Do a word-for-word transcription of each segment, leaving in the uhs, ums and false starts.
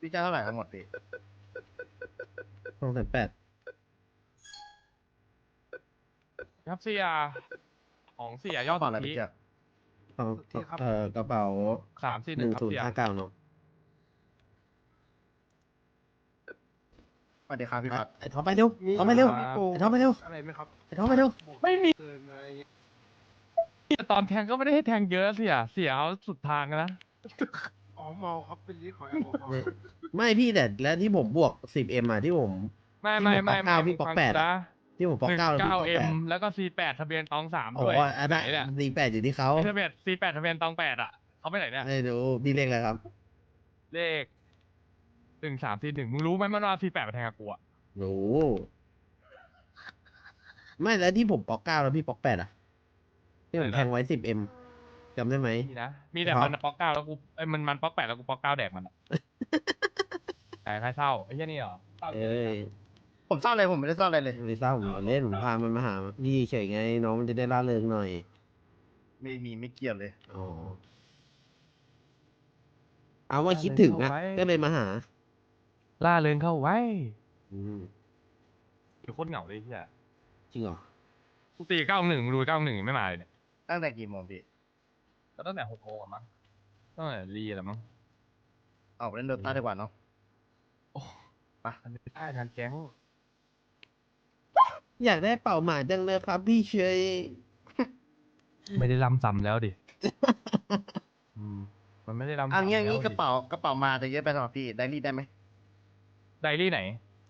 พี่เจ้าเท่าไหร่ทั้งหมดพี่สองแสนแปดครับเสียของเสียยอดบอกอะไรสุทธิพี่เจ้าเอาเอ่อกระเป๋าสามสี่หหนึ่นึ่งงครับศูนเสีย์ยห้าเก้าเนาะสวัสดีครับพี่พัดไอ้ท็อปไปเร็วท็อปไปเร็วครับไอ้ท็อปไปเร็วอะไรไหมครับไอ้ท็อปไปเร็วไม่มีตอนแทงก็ไม่ได้ให้แทงเยอะเสียเสียเอาสุดทางนะอ๋อเมาครับเป็นลิตรของแอลกอฮอล์ไม่ไม่พี่แต่แล้วที่ผมบวก สิบเอ็ม อ่ะที่ผมไม่ไม่ไม่ที่ผมปอกเก้าพี่ปอกแปดนะที่ผมปอกหนึ่งเก้าแล้วพี่เก้าปอกเอ็แปมดแล้วก็ซีแปดทะเบียนตองสามโอ้ด้วยอันไหนนั้นเนี่ยสี่แปดอยู่ที่เขาทะเบียนซีแปดทะเบียนตองแปดอ่ะเขาไปไหนเนี่ยไม่รู้พี่เรียกอะไรครับเลขหนึ่งสามสี่หนึ่งมึงรู้ไหมมันว่าซีแปดมาแทงกับกูอ่ะรู้ไม่แล้วที่ผมปอกเก้าแล้วพี่ปอกแปดอ่ะที่ผมแทงไว้ สิบเอ็ม จำได้ไหมมีนะมีแต่ครับมันป๊อกเก้าแล้วกูไอ้ยมันมันป๊อกแปดแล้วกูป๊อกเก้าแดกมันอะ แต่ใครเศร้าไอ้เหี้ยนี่เหรอเศร้าเอ้ยผมซ่อนอะไรผมไม่ได้ซ่อนอะไรเลยไม่เศร้าผมเล่นผมพามันมาหาพี่เฉยไงน้องมันจะได้ร่าเริงหน่อยไม่มีไม่เกี่ยวเลยอ๋อเอาว่าคิดถึงอ่ะก็เลยมาหาล่าเริงเข้าไว้อืมอยู่โคตรเหงาเลยที่อ่ะจริงเหรอกูตีเก้าหนึ่งดูเก้าหนึ่งไม่มาเลยเนี่ยตั้งแต่กี่โมงพี่ก็ตั้งแต่หกโมงอะมั้งตั้งแต่รีแหละมั้งออกไปเล่นโดต้าดีกว่าเนาะโอ้ไปอันนี้ได้งานแก๊งอยากได้เป่าหมาจังเลยครับพี่เฉยไม่ได้ลำซ้ำแล้วดิ อืมมันไม่ได้ลำอันนี้อันนี้ซ้ำกระเป๋ากระเป๋ามาจะเยอะไปสำหรับพี่ไดรี่ได้ไหมไดรี่ไหน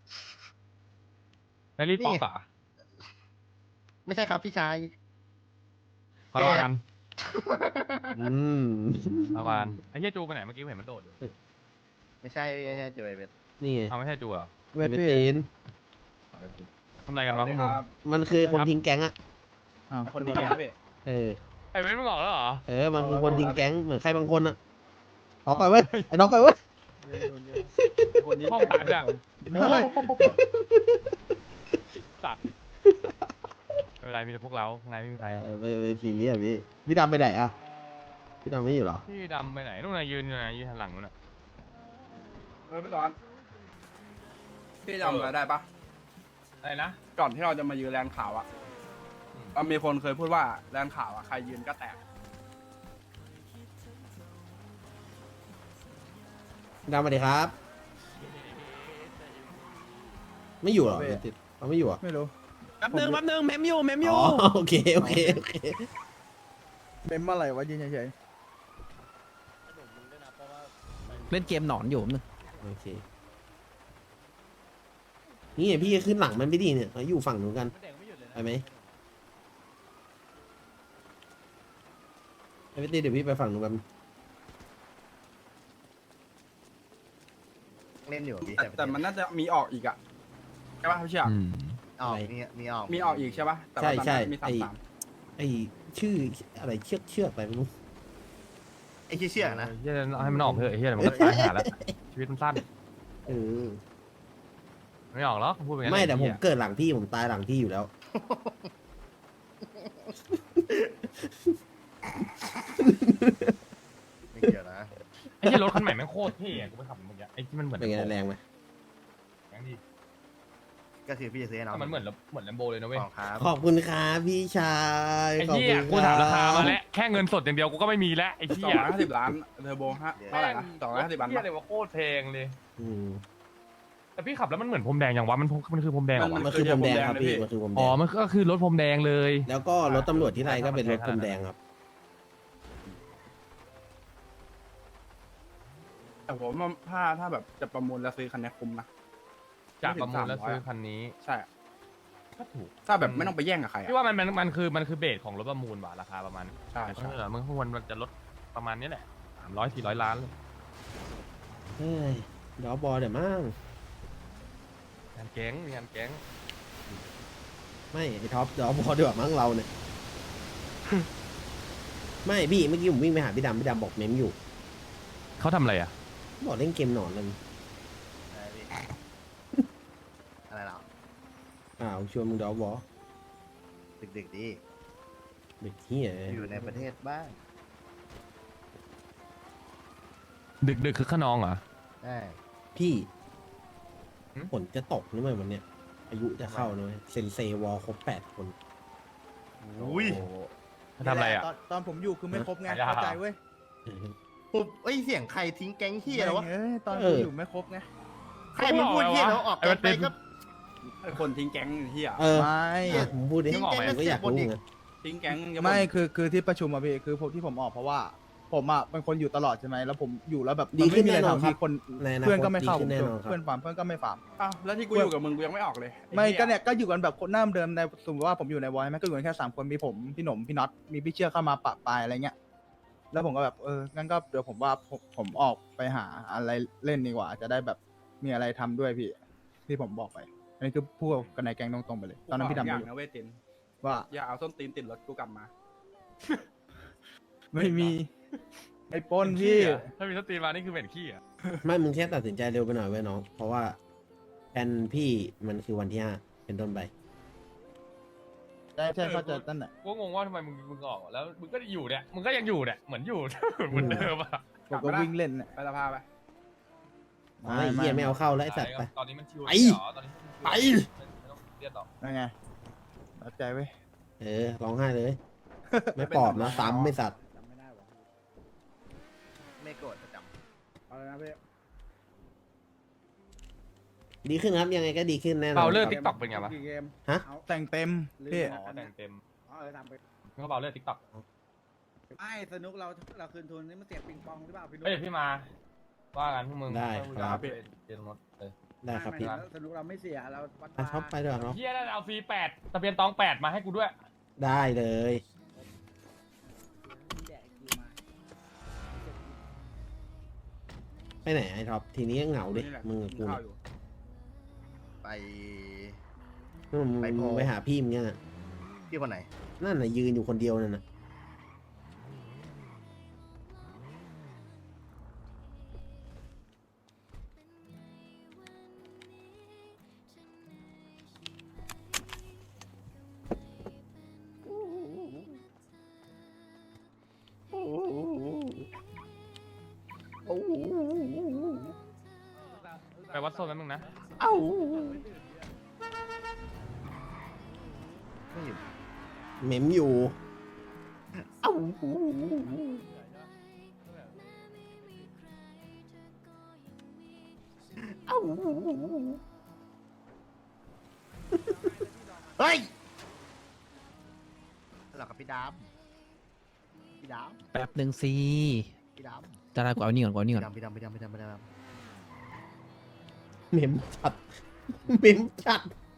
ไดรี่นี่ป๊อกอะไม่ใช่ครับพี่ชายขอรอกันอืมรอกันไอ้เหี้ยจูไปไหนเมื่อกี้เห็นมันโดดอยู่ไม่ใช่ไม่ใช่เจอไอเวทนี่ไงเอาไม่ใช่จูเหรอเวทตีนทำอะไรกันวะพวกมึงมันคือคนทิ้งแก๊งอ่ะคนดีแกพี่เออไอ้เว้นมึงออกแล้วเหรอเออ มันคือคนทิ้งแก๊งเหมือนใครบางคนอ่ะน้องไปเว้ยไอ้น้องไปเว้ยห้องตัดอะตัดไม่เป็นไรมีแต่พวกเราข้างในไม่มีใครเออไปไปสีนี้อ่ะพี่พี่ดำไปไหนอ่ะพี่ดำไม่อยู่เหรอพี่ดำไปไหนนู่นน่ะยืนอยู่ไหนยืนหันหลังนู่นน่ะเออพี่ตอนพี่จำอะไรได้ปะอะไรนะก่อนที่เราจะมายืนแลนด์ขาวอะมันมีคนเคยพูดว่าแลนด์ขาวอะใครยืนก็แตกดำมาดิครับ ไม่อยู่เหรอติดเขาไม่อยู่เหรอ่ะไม่รู้แป๊บนึงแป๊บนึงเมมอยู่เมมออ๋ยู่อโอเคโอเคโอเคเป็นเมื่อไหร่วะยืนเฉยเล่นเกมหนอนอยู่แป๊บนึงโอเคนี่ไงพี่ขึ้นหลังมันไม่ดีเนี่ยเราอยู่ฝั่งนู้นกันไปไหมไอ้พี่ตีเดี๋ยวพี่ไปฝั่งนู้นกันเล่นอยู่พี่ๆแต่แต่มันน่าจะมีออกอีกอะใช่ปะพี่เชี่ยออกมีมีออกมีออกอีกใช่ปะแต่ใช่ว่าตอนใช่นั้นมีสาไอมสามไอชื่ออะไรเชือกเชือกอะไรไม่รู้ไอ้เชี่ยๆนะเฮียให้มันออกเถอะไอ้เฮียเดี๋ยวมันก็ตายหาแล้วชีวิตมันสั้นเออไม่ออกหรอกพูดไปงั้นไม่แต่ผมเหี้ยเกิดหลังพี่ผมตายหลังพี่อยู่แล้วไม่เกี่ยวนะไอ้เฮียรถคันใหม่แม่งโคตรเท่อะกูไปขับมันเมื่อกี้ไอ้ที่มันเหมือนเป็นไง Lambo แรงไหมแรงดีก็คือพี่จะซื้อให้น้องแต่มันเหมือนเหมือนแลมโบเลยนะเว้ยของครับขอบคุณครับพี่ชายไอ้ขอบเหี้คุยณกูถามราคาบมาแล้วแค่เงินสดอย่างเดียวกูก็ไม่มีแล้วไอ้สเหี้องยร้อยห้าสิบล้านเทอร์โบฮะเท่าไหร่นะสองร้อยห้าสิบล้านเหี้ยปะเลยว่าโคตรแพงเลยอืมแต่พี่ขับแล้วมันเหมือนพรมแดงอย่างวะมันมันคือพรมแดงเหรอวะมันคือพรมแดงครับพี่มันคือพรมแดอ๋อง มันก็คือรถพรมแดงเลยแล้วก็รถตำรวจที่ไรก็เป็นรถพรมแดงครับแต่ผมว่าถ้าถ้าแบบจะประมูลแล้วซื้อคันนี้คุ้มนะจากประมูลแล้วซื้อคันนี้ใช่ก็ถูกถ้าแบบไม่ต้องไปแย่งกับใครอะพี่ว่ามันมันมันคือมันคือเบสของรถประมูลว่ะราคาประมาณใช่แต่ใช่เออมันควรมันจะลดประมาณนี้แหละสามร้อยสี่ร้อยล้านเลยเฮ้ยเดี๋ยวบอลเดี๋ยวมั่งงานแก๊งงานแก๊งไม่ไอท็อปเดี๋ยวบอลดีกว่ามั้งเราเนี่ย ไม่พี่เมื่อกี้ผมวิ่งไปหาพี่ดำพี่ดำบอกเมมอยู่เขาทำอะไรอ่ะบอกเล่นเกมหนอนเลยอะไรพี่อะไรหรออ้าวชวนมึงเดี๋ยวบอลดึกๆดีเด็กเฮียอยู่ในประเทศบ้างดึกดึกคือขนองเหรอใช่พี่ฝนจะตกนี่ไหมวันเนี้ยอายุจะเข้าเลยเซนเซวอลครบแปดคนอุ้ยทำอะไรอ่ะตนตอนผมอยู่คือไม่ครบไงหายากเข้าใจเว้ยปุ๊บเอ้ยเสียงใครทิ้งแก๊งเฮียแล้ววะเอ้ยตอนเอผมออยู่ไม่ครบไงใครมันพูดเฮียแล้วออกแก๊งไปก็ไอคนทิ้งแก๊งเฮียเออไม่อ่ะผมพูดดิทิ้งแก๊งผมก็อยากรู้ไงทิ้งแก๊งยังไม่คือคือที่ประชุมอะพี่คือผมที่ผมออกเพราะว่า ผมอะเป็นคนอยู่ตลอดใช่ไหมแล้วผมอยู่แล้วแบบดีมันขึ้นไม่มีอะไรแน่นอนทำครับมีคนในอนาคตเพื่อนก็ไม่เข้าดีขึ้นแน่นอนครับเพื่อนฟาร์มเพื่อนก็ไม่ฟาร์มอ้าวแล้วที่กูอยู่กับมึงกูยังไม่ออกเลยอ้ไม่หี้ก็เนี่ยก็อยู่กันแบบคนหน้าเดิมในสมมติว่าผมอยู่ในวอยไหมก็อยู่กันแค่สามคนมีผมพี่หนมพี่น็อตมีพี่เชื่อเข้ามาปะปายอะไรเงี้ยแล้วผมก็แบบเอองั้นก็เดี๋ยวผมว่าผมผมออกไปหาอะไรเล่นดีกว่า จะได้แบบมีอะไรทำด้วยพี่ที่ผมบอกไป อันนี้คือพูดกับนายแกงตรงๆไปเลย ตอนนั้นพี่ดำอย่างไม่รู้นะเวตินว่าอย่าเอาส้นตีนติดรถกูกลับมาไม่มีไอ้ปล้นพี่ถ้ามีสตรีมานี่คือเป็นขี้อ่ะไม่มึงแค่ตัดสินใจเร็วไปหน่อยเว้ยน้อง เพราะว่าแผนพี่มันคือวันที่ห้าเป็นต้นไปใช่ใช่เข้าใจตั้นแหละกูงงว่าทำไมมึงมึงออกแล้วมึงก็อยู่เนี่ยมึงก็ยังอยู่เนี่ยเหมือนอยู่ เหมือนเดิมอ่ะผมก็วิ่งเล่นเนี่ยไปสภาไปไอ้เหี้ยไม่เอาเข้าแล้วไอ้สัตว์ไปตอนนี้มันชิวไปเหรอตอนนี้มันชิวไปไม่ต้องเครียดหรอกนั่นไงเข้าใจเว้ยเออร้องไห้เลย ไม่ปลอบนะซ้ำไม่สัตว์จำไม่ได้หรอไม่โกรธประจเอาเลยนะพี่ดีขึ้นครับยังไงก็ดีขึ้นแน่นอนเบาเลือดคติ๊รับกต็อกเป็นไงวะกี่เกมฮะเอาแต่งเต็มพี่อ๋อแต่งเต็มอ๋อเออทำไปเขาเบาเลือดติ๊กต็อกไม่สนุกเราเราคืนทุนนี่มันเสียปิงปองหรือเปล่าพี่นุ๊กเฮ้ยพี่มา ว่ากันพวกมึงได้ครับเจนรถเลยได้ครับพี่ไม่ไม่สนุกเราไม่เสียเราวัดอ่ะท็อปไปด้วยเนาะเฮียนั่นเอาฟรีแปดทะเบียนตองแปดมาให้กูด้วยได้เลยแดกคิวมาไปไหนไอ้ท็อปทีนี้ก็เหงาดินี่แหละมึงกับกูข้าเนี่วย อยู่ำไปมึงไปโพลมึงไปหาพี่มึงเนี่ยพี่คนไหนนั่นน่ะยืนอยู่คนเดียวนั่นน่ะไปวัดโซนแป๊บนึงนะไม่อยู่เหม็มอยู่เอ้าเอ้าเฮ้ยหลับกับพี่ดามพี่ดามแป๊บหนึ่งสิพี่ดามจะได้กูเอานี่ก่อนกูเอานี่พี่ก่อนดามพี่ดามพี่ดามพี่ดามพี่ดามเหม็มจัดเหม็มจัด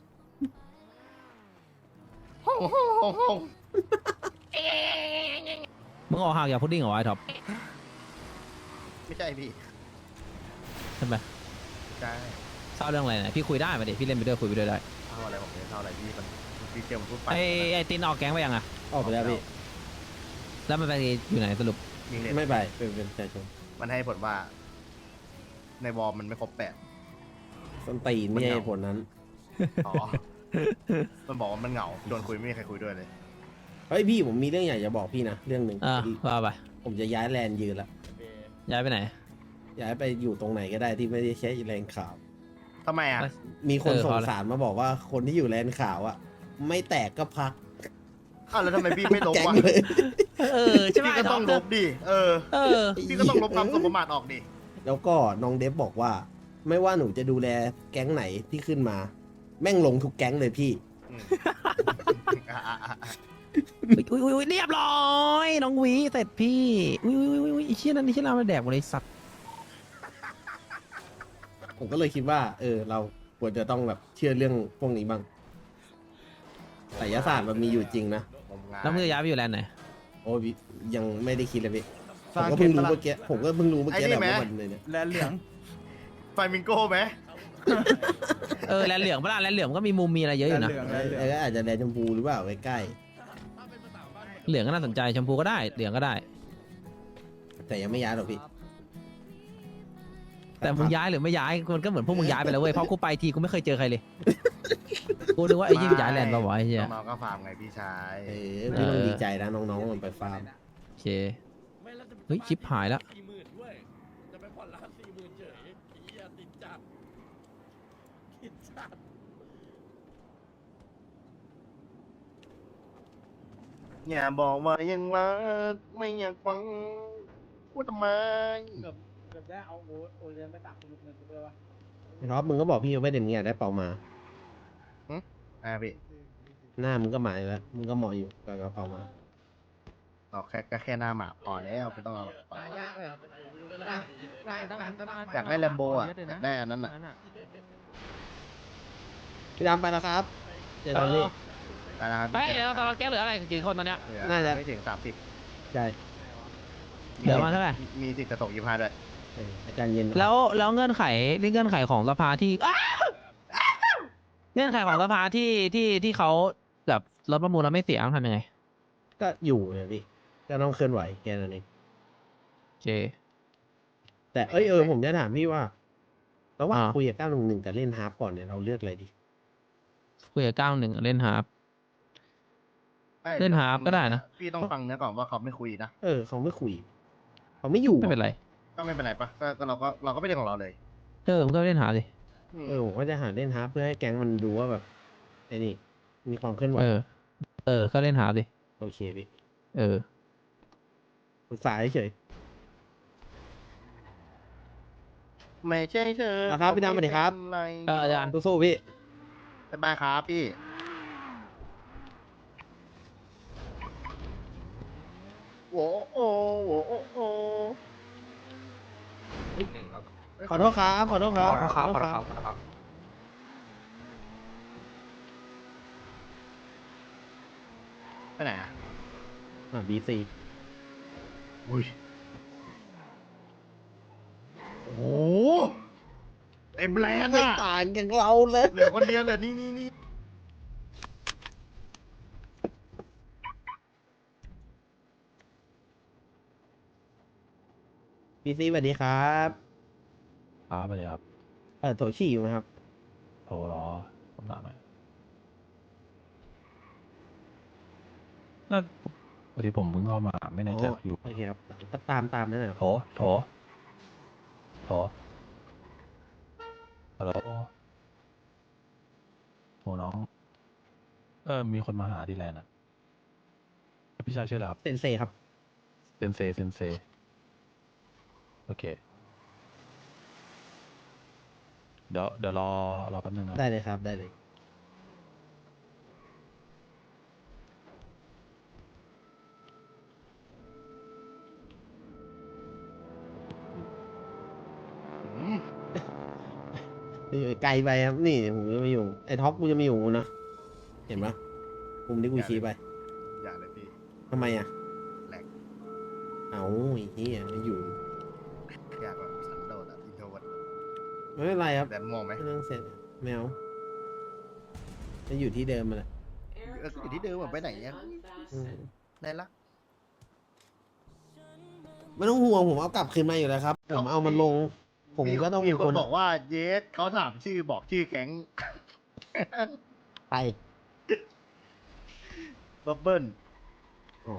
ห้องห้องห้องห้องมึงออกห่างจากพุดดิ้งเหรอไอ้ท็อปไม่ใช่พี่ทำไมใช่เศร้าเรื่องอะไรเนี่ยพี่คุยได้มาดิพี่เล่นไปด้วยคุยไปด้วยได้เท่าอะไรผมเนี่ยเท่าอะไรพี่มันพี่เจอมันพูดไปไอ้ไอ้ตินออกแก๊งไปยังอะออกไปแล้วพี่แล้วมันไปอยู่ไหนสรุปมีเน็ตไม่ไปเป็นเป็นประชาชนมันให้ผลว่า ในวอลมันไม่ครบแปดส้นตีนไม่ใช่เหตุผลนั้นอ๋อ มันบอกว่ามันเหงาโดนคุยไม่มีใครคุยด้วยเลยเฮ้ยพี่ผมมีเรื่องอยากจะบอกพี่นะเรื่องหนึ่งอ่าว่าไปผมจะย้ายแลนด์ยืนละย้ายไปไหนย้ายไปอยู่ตรงไหนก็ได้ที่ไม่ได้ใช้แลนด์ขาวทำไมอ่ะมีคนเออส่เพงราะอะไรสารมาบอกว่าคนที่อยู่แลนด์ขาวอ่ะ ไม่แตกก็พักอ้าวแล้วทำไมพี่ไม่ลบแก๊งวะเลยเออใช่ไหมพี่ก็ต้องลบดิ เออเออพี่ก็ต้องลบความสมประมาทออกดิแล้วก็น้องเดฟบอกว่า ไม่ว่าหนูจะดูแลแก๊งไหนที่ขึ้นมา แม่งลงทุกแก๊งเลยพี่อืมอ่ะอ่ะอ่ะอ่ะอุ้ยอุ้ยอุ้ยเรียบร้อยน้องหวีเสร็จพี่อุ้ยอุ้ยอุ้ยอุ้ยไอ้เชี่ยนั่นไอ้เชี่ยเรามาแดกหมดเลยสัตว์ผมก็เลยคิดว่า เออ เราควรจะต้องแบบเชื่อเรื่องพวกนี้บ้างไสยศาสตร์มันมีอยู่จริงนะผมงานแล้วมึงจะย้ายไปอยู่แลนด์ไหนโอ้ยยังไม่ได้คิดเลยพี่ผสร้างมก็เพิ่งเกรู้มตลาดเมื่อกี้ผมก็เพิ่งรู้เมื่อกี้แหละว่ามันเลยเนี่ยแลนเหลืองไฟมิงโก้ไหมเออแลนด์เหลืองปะล่ะแลนด์เหลืองมันก็มีมุมมีอะไรเยอะอยู่นะแลนเหลืองแลนเหลืองเอออาจจะแดนชมพูหรือเปล่าใกล้เหลืองก็น่าสนใจชมพูก็ได้เหลืองก็ได้ๆแต่ยังไม่ย้ายหรอกพี่แต่มึงย้ายหรือไม่ย้ายมันก็เหมือนพวกมึงย้ายไปแล้วเว้ยเพราะกูไปทีกูไม่เคยเจอใครเลยกูนึกว่าไอ้ยี่ย้ายแลนด์ปะวะไอ้เหี้ยน้องๆก็ฟาร์มไงพี่ชายเออพี่ต้องดีใจนะน้องๆมันไปฟาร์มโอเคเฮ้ยชิปหายแล้วสี่หมื่นด้วยจะไปผ่อนร้านสี่หมื่นเฉยเฮียติดใจอย่าบอกว่ายังรักไม่อยากฟังพูดทำไมไอ้ท็อปมึงก็บอกพี่ว่าเด่นเงี้ยได้เป่ามาอ่าพี่หน้ามึงก็หมายแล้วมึงก็เหมาะอยู่กับกระเป๋ามาเราแค่ก็แค่หน้าหมาพอแล้วไม่ต้องเอาไปอยากได้แลมโบอ่ะอยากได้อันนั้นอ่ะพี่ดำไปแล้วครับเจอกันนี่แต่นะครับเฮ้ยเดี๋ยวเราแก้เหลืออะไรกี่คนตอนเนี้ยเหลือน่าจะไม่ถึงสามสิบใช่เหลือมาเท่าไหร่มีสิทธิ์จะตกยี่ห้าด้วยเอออาจารย์เย็นแล้วแล้วเงื่อนไขนี่เงื่อนไขของสภาที่อ้าวเงื่อนไขของสภาที่ที่ที่เขาแบบรถประมูลแล้วไม่เสียต้องทำยังไงก็อยู่เนี่ยพี่ก็ต้องเคลื่อนไหวแค่นั้นเองโอเคแต่เอ้ยเออผมจะถามพี่ว่าระหว่างอ่าคุยกับเก้าหนึ่งหนึ่งแต่เล่นฮาร์ปก่อนเนี่ยเราเลือกอะไรดีคุยกับเก้าหนึ่งเล่นฮาร์ป เล่นฮาร์ปก็ได้นะพี่ต้องฟังเนื้อก่อนว่าเขาไม่คุยนะเออเขาไม่คุยเขาไม่อยู่ไม่เป็นไรก็ไม่เป็นไรปะก็ก็เราก็เราก็ไม่ได้ของเราเลยเออมึงก็เล่นฮาร์ปสิเออผมก็จะหาเล่นฮาร์ปเพื่อให้แก๊งมันดูว่าแบบไอ้นี่มีความเคลื่อนไหวเออ เออ ก็เล่นฮาร์ปสิโอเคพี่เออปรึกษาเฉยไม่ใช่เธออ่ะครับพี่ดำสวัสดีครับไม่เอออาจารย์สู้ๆพี่บ๊ายบายครับพี่โอ้โอ้โอ้โอ้โอ้ขอโทษครับขอโทษครับขอโทษครับขอโทษครับขอโทษครับไปไหนอ่ะอ่าบีซีอุ้ยโอ้โหเต็มแลนด์ไม่อ่ะต่างกันเราเลยเหลือคนเดียวเหลือนี่นี่นี่บีซีสวัสดีครับครับสวัสดีครับเออโถฉี่อยู่ไหมครับโทรรอผมถามหน่อยน่าวันที่ผมเพิ่งเข้ามาไม่แน่ใจโอ้อยู่โอเคครับตามตามนั่นแหละโถโถโถฮัลโหลโถน้อง เออ มีคนมาหาที่แลนด์อ่ะ พี่ชายชื่ออะไรครับเซนเซครับเซนเซเซนเซ โอเค เดี๋ยวเดี๋ยวรอรอแป๊บนึงนะได้เลยครับได้เลยอืมอยู่ไกลไปครับนี่ผมจะไม่อยู่ไอ้ท็อปกูจะไม่อยู่นะเห็นปะมุมที่กูชี้ไปอย่าเลยพี่ทำไมอ่ะแหลกเอาไอ้เหี้ยไม่อยู่อยากแบบสันโดษอ่ะอินโทรเวิร์ดไม่เป็นไรครับแดนมองไหมไม่ต้องเสร็จแมวจะอยู่ที่เดิมมาแหละเอออยู่ที่เดิมอะไปไหนเนี่ยอืมได้ละไม่ต้องห่วงผมเอากลับคืนมาอยู่แล้วครับผมเอามันลง ผมก็ต้องมีมีคคน นบอกว่าเยสเขาถามชื่อบอกชื่อแก๊งไปบับเบิ้ลอ๋อ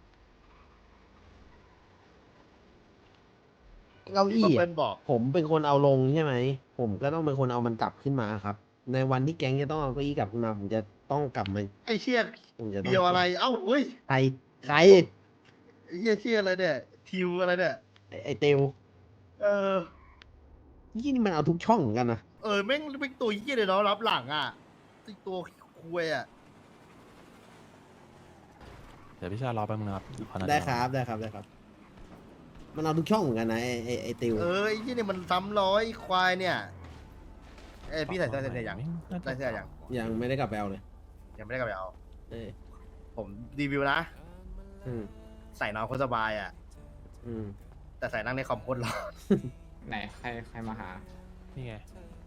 เก้าบัอี้บเบิ้อะลบอกผมเป็นคนเอาลงใช่ไหม ผมก็ต้องเป็นคนเอามันกลับขึ้นมาครับ ในวันที่แก๊งจะต้องเอาเก้าอี้กลับขึ้นมาผมจะต้องกลับมาไอ้เชี่ยผมจะต้องเดียวอะไร เอ้าเฮ้ยใครใครไอ้เชี่ยเชี่ยอะไรเนี่ยทิวอะไรเนี่ยไอ้ไอเตียวเออยี่นี่มันเอาทุกช่องเหมือนกันนะเออแม่งเป็นตัวเยี่ยเลยเนาะรับหลังอ่ะไอ้ตัวคุยอ่ะเดี๋ยวพี่ชายรอแป๊บนึงนะครับขอนาทีได้ครับได้ครับได้ครับ มันเอาทุกช่องเหมือนกันนะไอไอไอเตียวเออไอ้เยี่ยเนี่ยมันซ้ำร้อยควายเนี่ยเอ้ยพี่ใส่เสื้อเสื้อยังน่าจะใส่เสื้อยังยังไม่ได้กลับไปเอาเลยยังไม่ได้กลับไปเอาเออผมรีวิวนะอืมใส่นอนโคตรสบายอ่ะอืมแต่ใส่นั่งในคอมโคตรร้อนไหนใครใครมาหานี่ไง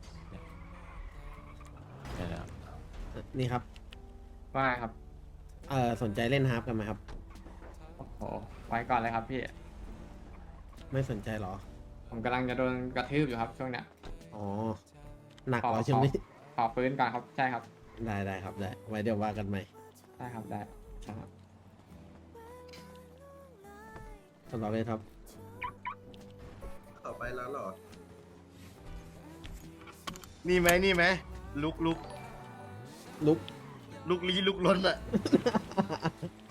เนี่ยเนี่ยนะครับนี่ครับว่าไงครับเออสนใจเล่นฮาร์ปกันไหมครับโอ้โห ไว้ก่อนเลยครับพี่ไม่สนใจเหรอผมกำลังจะโดนกระทืบอยู่ครับช่วงเนี้ยอ๋อ หนักขอเหรอใช่ไหมขอ ขอฟื้นก่อนครับ ใช่ครับได้ได้ครับได้ ไว้เดี๋ยวว่ากันใหม่ได้ครับ ได้ใช่ครับสำหรับเลยครับต่อไปแล้วหรอ นี่ไหมนี่ไหมลุกลุกลุกลุกลี้ลุกล้นอ่ะ